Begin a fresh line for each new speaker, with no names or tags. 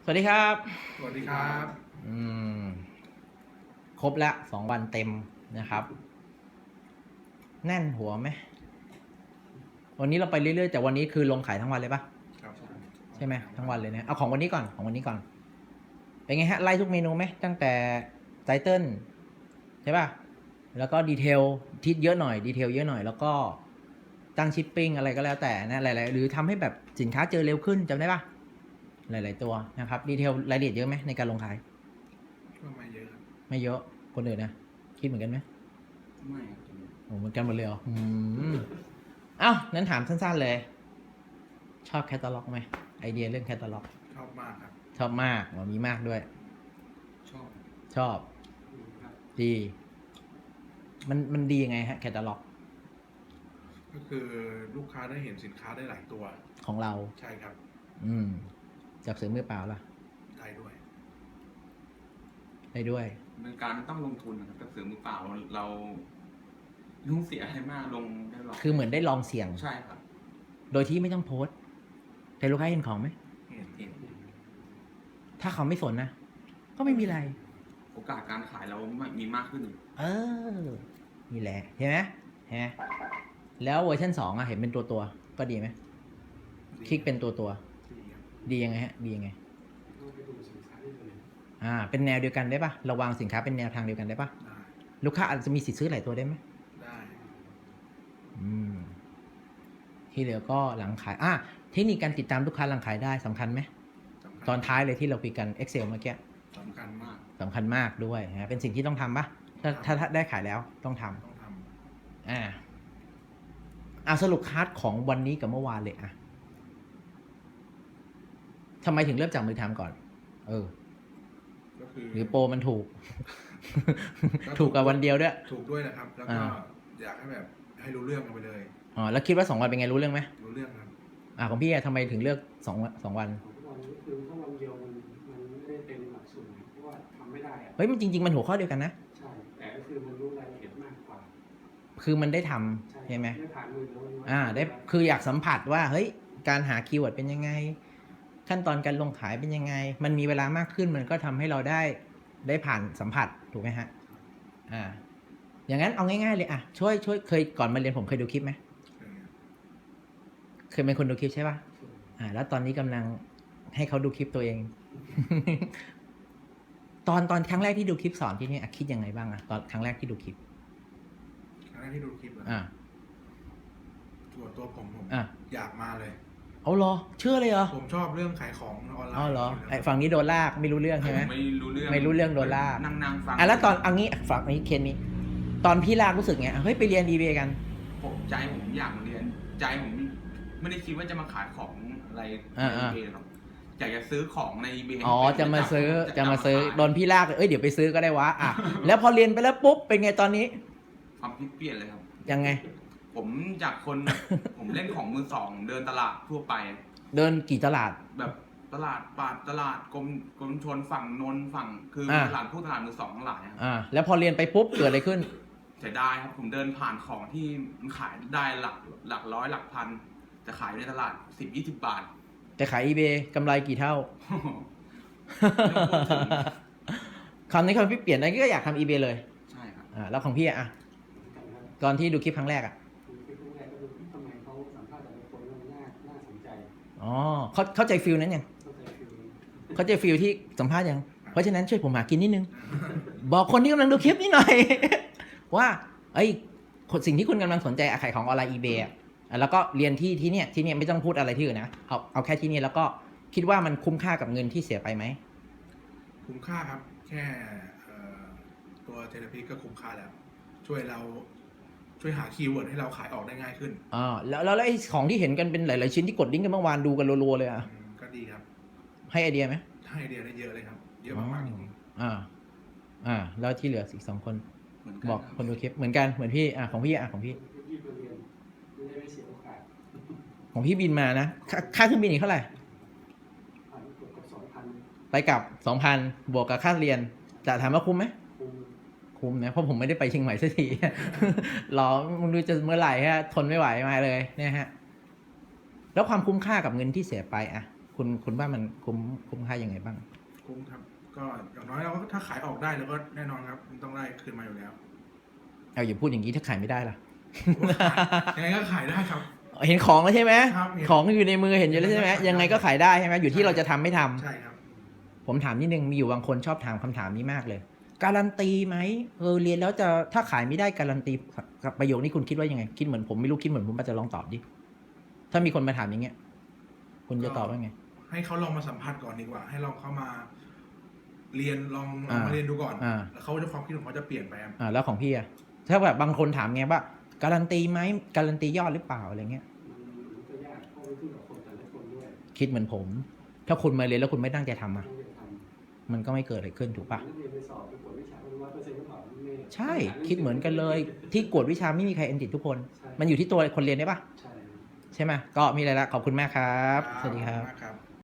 สวัสดีครับ
สวัสดีครับ
อืม ครบแล้ว2 วันเต็มนะครับ แน่นหัวไหม วันนี้เราไปเรื่อยๆแต่วันนี้คือลงขายทั้งวันเลยปะ
ครับ
ใช่ไหมทั้งวันเลยเนี่ยเอาของวันนี้ก่อนของวันนี้ก่อน เป็นไงฮะไล่ทุกเมนูไหมตั้งแต่ไตเติ้ลใช่ป่ะแล้วก็ดีเทลที่เยอะหน่อยดีเทลเยอะหน่อยแล้วก็ตั้งชิปปิ้งอะไรก็แล้วแต่นะหลายๆหรือทำให้แบบสินค้าเจอเร็วขึ้นจำได้ป่ะหลายๆตัวนะครับดีเทลรายละเอียดเยอะไหมในการลงขาย
ก็ไม่เยอะครับ
ไม่เยอะคนอื่นนะคิดเหมือนกันไหม
ไม่ครับ
โอ้เหมือนกันหมดเลยเหรอเอ้านั้นถามสั้นๆเลย ชอบแคตตาล็อกไหมไอเดียเรื่องแคตตาล็อก
ชอบมากครับ
ชอบมากมีมากด้วย
ชอบ
ชอบ
ครับ
ดีมันดียังไงฮะแคตตาล็อก
ก็คือลูกค้าได้เห็นสินค้าได้หลายตัว
ของเรา
ใช่ครับ
จับเสือมือเปล่าล่ะ
ได้ด้วย
ได้ด้วย
เป็นการต้องลงทุนนะครับกับเสือมือเปล่าเราต้องเสียอะไรมากลงได้หรอก
คือเหมือนได้ลองเสี่ยง
ใช่ครับ
โดยที่ไม่ต้องโพสต์แต่ลูกค้าเห็นของไหม
เห็น
ถ้าเขาไม่สนนะ ก็ไม่มีอะไร
โอกาสการขายเรามีมากขึ้น
เออ นี่แหละเห็นไหมเห็นไหมแล้วเวอร์ชัน2อะเห็นเป็นตัวก็ดีไหมคลิกเป็นตัว
ดีครับ
ดียังไงฮะ ดียังไง เป็นแนวเดียวกันได้ปะเราวางสินค้าเป็นแนวทางเดียวกันได้ปะ
ได้
ลูกค้าอาจจะมีสิทธิ์ซื้อหลายตัวได้ไหม
ได้
ที่เหลือก็หลังขายเทคนิคการติดตามลูกค้าหลังขายได้สำคัญไหม
สำคัญ
ตอนท้ายเลยที่เราคุยกัน Excel เมื่อกี้
สำคัญมาก
สำคัญมากด้วยนะเป็นสิ่งที่ต้องทำปะถ้าได้ขายแล้วต้องทำ
ต้องท
สรุปคัสของวันนี้กับเมื่อวานเลยทำไมถึงเริ่มจากมือทำก่อน
ำก็คือ
หรือโปรมันถูก ถูกกับวันเดียวด้วย
ถูกด้วยนะครับ แล้วก็อยากให้แบบให้รู้เรื่องกันไปเลย
แล้วคิดว่า2 วันเป็นไงรู้เรื่องไหม
รู้เรื่องครับ
ของพี่ทำไมถึงเลือก2 วัน
วันนี้คือถ้าวันเดียวมันไม่ได้เต็มหลักสูตรเพราะว่าทำไม่ได้อะ
เฮ้ยมันจริงๆมันหัวข้อเดียวกันนะ
ใช่แต่ก็คือมันรู้รายละเอียดมากกว่า
คือมันได้ทำใช่ไหม
ได้ผ่านมือแล้ว
ได้คืออยากสัมผัสว่าเฮ้ยการหาคีย์เวิร์ดเป็นยังไง ขั้นตอนการลงขายเป็นยังไง มันมีเวลามากขึ้นมันก็ทำให้เราได้ผ่านสัมผัสถูกไหมฮะอย่างนั้นเอาง่ายๆเลยช่วยเคยก่อนมาเรียนผมเคยดูคลิปไหมเคยเป็นคนดูคลิปใช่ป่ะแล้วตอนนี้กำลังให้เขาดูคลิปตัวเอง ตอนครั้งแรกที่ดูคลิปสอนที่นี่คิดยังไงบ้างตอนครั้งแรกที่ดูคลิป
ครั้งแรกที่ดูคลิปเหรอ ส่วนตัวผม อยากมาเลย
เอาเหรอเชื่อเลยเหรอ
ผมชอบเรื่องขายของออนไลน์
เอาเหรอ
ยู่
ไอ้
แล้ว
ฝั่งนี้โดนลากไม่รู้เรื่องใช่ไหม
ไม่รู้เรื่อง
ไม่รู้เรื่องโดนลาก
นั่งฟัง
แล้วตอนเอางี้ฝั่งนี้เคนนี้ ตอนพี่ลากรู้สึกไงเฮ้ยไปเรียน eBay กัน
ใจผมอยากเรียน ใจผมไม่ได้คิดว่าจะมาขายของอะไรใน eBay หรอกอยากจะซื้อของใน eBay
จะมาซื้อโดนพี่ลากเดี๋ยวไปซื้อก็ได้วะแล้วพอเรียนไปแล้วปุ๊บเป็นไงตอนนี้
ความคิดเปลี่ยนเลยครับ
ยังไง
ผมจากคน ผมเล่นของมือสองเดินตลาดทั่วไป
เดินกี่ตลาด
แบบตลาดปาดตลาดกรมชนฝั่งนนท์ฝั่งคือตลาดตลาดมือสองทั้งหลายครับ
แล้วพอเรียนไปปุ๊บเกิดอะไรขึ้น
เสียดายครับผมเดินผ่านของที่มันขายได้หลักร้อยหลักพันจะขายในตลาด10-20 บาท
แต่ขาย eBay กำไรกี่เท่า
ไม่ต้องพูดถึง
คำนี้คำพี่เปลี่ยนอะไรก็อยากทำ eBay เลย
ใช่ครับ
แล้วของพี่ตอนที่ดูคลิปครั้งแรก
คือครั้งแรกก็ดูทำไมเขาสัมภาษณ์แต่ละคนมันน่าสนใจ
เข้าใจฟิลนั้นยัง
เข้าใจฟิล
เข้าใจฟิลที่สัมภาษณ์ยังเพราะฉะนั้นช่วยผมหากินนิดนึง บอกคนที่กำลังดูคลิปนี้หน่อย ว่าสิ่งที่คุณกำลังสนใจขายของออนไลน์ eBay แล้วก็เรียนที่เนี่ยไม่ต้องพูดอะไรที่อื่นนะเอาแค่ที่นี่แล้วก็คิดว่ามันคุ้มค่ากับเงินที่เสียไปไหม
คุ้มค่าครับ แค่ตัวเทเลพีก็คุ้มค่าแล้ว ช่วยหาคีย์เวิร์ดให้เราขายออกได้ง่ายขึ้น
แล้วไอ้ของที่เห็นกันเป็นหลายๆชิ้นที่กดลิงก์กันเมื่อวานดูกันรัวๆเลย
ก็ดีครับ
ให้ไอเดียไหม
ให้ไอเดียได้เยอะเลยครับ เยอะมากๆจริง
แล้วที่เหลืออีก2 คน
เหมือนกัน
บอกคนดูคลิปเหมือนกันเหมือนพี่ของพี่ของพี่
ที่มาเรียนไม่เสียโอกาส
ของพี่บินมานะค่าเครื่องบินอีกเท่าไหร่
ผ่านเกือบกับ2,000
ไปกลับ 2,000 บวกกับค่าเรียนจะถามว่าคุ้มไหม
คุม
นะเพราะผมไม่ได้ไปเชียงใหม่สักที รอมึงดูจะเมื่อไหร่ทนไม่ไหวมาเลยเนี่ยฮะแล้วความคุ้มค่ากับเงินที่เสียไปคุณว่ามันคุ้มค่ายังไงบ้าง
คุ้มครับ ก็อย่างน้อยเราก็ถ้าขายออกได้แล้วก็แน่นอนครับมันต้องได้คืนมาอยู่แล้ว
เอาอย่าพูดอย่างนี้ถ้าขายไม่ได้ล่ะ
ยังไงก็ขายได้ครับ
เห็นของแล้วใช่ไหม
ครับเห็น
ของอยู่ในมือเห็นอยู่แล้วใช่ไหม
ยัง
ยัง
ไง
ไง
ก็
ก็
ขา
ขาย ย
ได้
ได้ใช่ไหมอยู่ที่เราจะทำไม่ทำ
ใช่ครับ
ผมถามนิดนึงมีอยู่บางคนชอบถามคำถามนี้มากเลย การันตีไหมเรียนแล้วจะถ้าขายไม่ได้การันตีกับประโยคนี้คุณคิดว่ายังไงคิดเหมือนผมไม่รู้คิดเหมือนผมอาจจะลองตอบดิถ้ามีคนมาถามอย่างเงี้ย คุณจะตอบว่าไง
ให้เขาลองมาสัมผัสก่อนดีกว่า ให้ลองเข้ามาเรียนลอง
อ่า
มาเรียนดูก่อน
อ่า
แล้วเขาจะความคิดของเขาจะเปลี่ยนไปครับ
แล้วของพี่อะถ้าแบบบางคนถามไงว่าการันตีไหมการันตียอดหรือเปล่าอะไรเงี้ย
มันก็ยากเพราะมันขึ้นกับคนแต่ละคนด้วย
คิดเหมือนผม ถ้าคุณมาเรียนแล้วคุณไม่ตั้งใจทำอะ
ต้องเรียนทำ
มันก็ไม่เกิดอะไรขึ้นถูกปะ
นักเรียนไปสอบไปกวดวิชา100%หรือเปล่าไม่
ใช่คิดเหมือนกันเลย ที่กวดวิชาไม่มีใครเอ็นติดทุกคน
ใช่
มันอยู่ที่ตัวคนเรียนได้ปะ
ใช่
ใช่ไหมก็มีอะไรละขอบคุณมากครับ สวัสดีครับ
ขอณมากครับ